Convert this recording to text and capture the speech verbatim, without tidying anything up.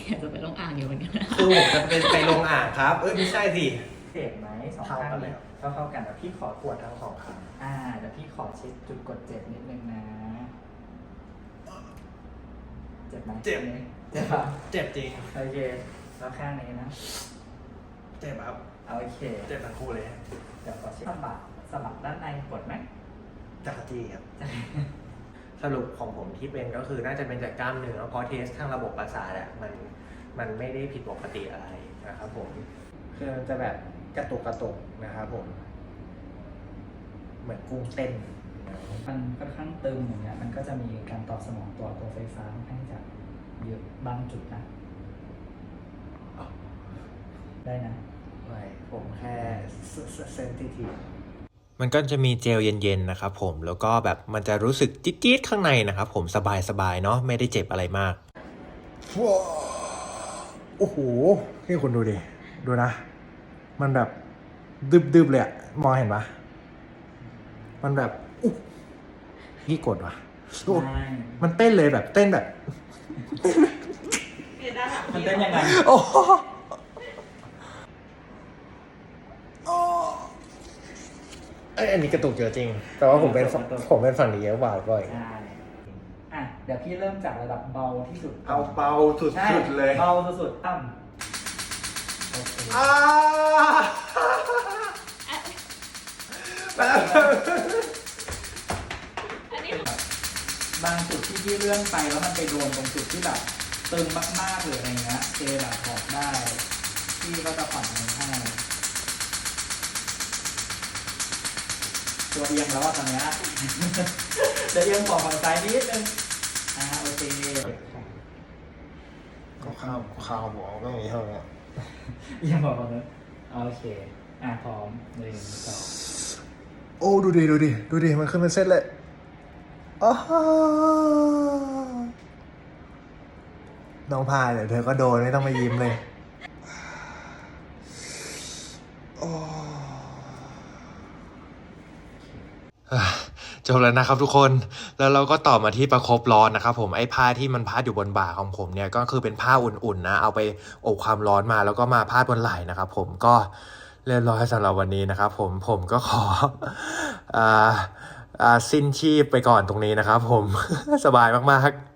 อยากจะไปลงอ่างอยู่เหมือนกันนะคือผมจะเป็นไปลงอ่างครับเอ้ยไม่ใช่สิเจ็บไหมสองข้างนี้เท่าเท่ากันแต่พี่ขอปวดทั้งสองข้างอ่าเดี๋ยวพี่ขอเช็คจุดกดเจ็บนิดนึงนะเจ็บไหมเจ็บเจ็บปะเจ็บจริงโอเคแล้วข้างนี้นะเจ็บครับโอเคเจ็บทั้งคู่เลยเดี๋ยวขอเช็คสะบักสะบักด้านในปวดไหมจักรจี้ครับสรุปของผมที่เป็นก็คือน่าจะเป็นจากกล้ามเนื้อเพราะเทสทางระบบประสาทอะมันมันไม่ได้ผิดปกติอะไรนะครับผมคือมันจะแบบกระตุกกระตุกนะครับผมเหมือนกุ้งเต้นมันค่อนข้างตึงอย่างเงี้ยมันก็จะมีการตอบสนองตัวตัวไฟฟ้าค่อนข้างจะเยอะบางจุดนะได้นะไม่ผมแค่เซนซิทีฟมันก็จะมีเจลเย็นๆนะครับผมแล้วก็แบบมันจะรู้สึกจี๊ดๆข้างในนะครับผมสบายๆเนาะไม่ได้เจ็บอะไรมากว้าวโอ้โหนี่คุณดูดิดูนะมันแบบดึบๆเลยอะมองเห็นปะมันแบบอุ๊ยพี่กดวะมันเต้นเลยแบบเต้นแบบมันเต้นยังไงโอ้ไออันนี้กระตุกเยอะจริงแต่ว่าผมเป็นผมเป็นฝั่งนี้เยอะกว่าบ่อยใช่อ่ะเดี๋ยวพี่เริ่มจากระดับเบาที่สุดเอาเบาสุดๆเลยเบาสุดๆต่ำโอเคอ่าบางจุดที่พี่เลื่อนไปแล้วมันไปโดนตรงจุดที่แบบตึงมากๆหรืออะไรเงี้ยเจแบบถอดได้พี่ก็จะผ่อนมันให้ตัวเอียงแล้วตอนนี้จะเอียงขอฝั่งซ้ายนิดนึงอ่าโอเคก็ข้าวข้าวหัวก็มีเท่านี้เอียงขอฝั่งนั้นโอเคอ่าพร้อมหนึ่งสองโอ้ดูดิดูดิดูดิมันขึ้นเป็นเส้นเลยอ๋อน้องพายเดี๋ยวเธอก็โดนไม่ต้องมายิ้มเลยจบแล้วนะครับทุกคนแล้วเราก็ต่อมาที่ประคบร้อนนะครับผมไอ้ผ้าที่มันพาดอยู่บนบ่าของผมเนี่ยก็คือเป็นผ้าอุ่นๆนะเอาไปอบความร้อนมาแล้วก็มาพาดบนไหล่นะครับผมก็เรียบร้อยสำหรับวันนี้นะครับผมผมก็ขออ่าอ่าสิ้นชีพไปก่อนตรงนี้นะครับผมสบายมากๆ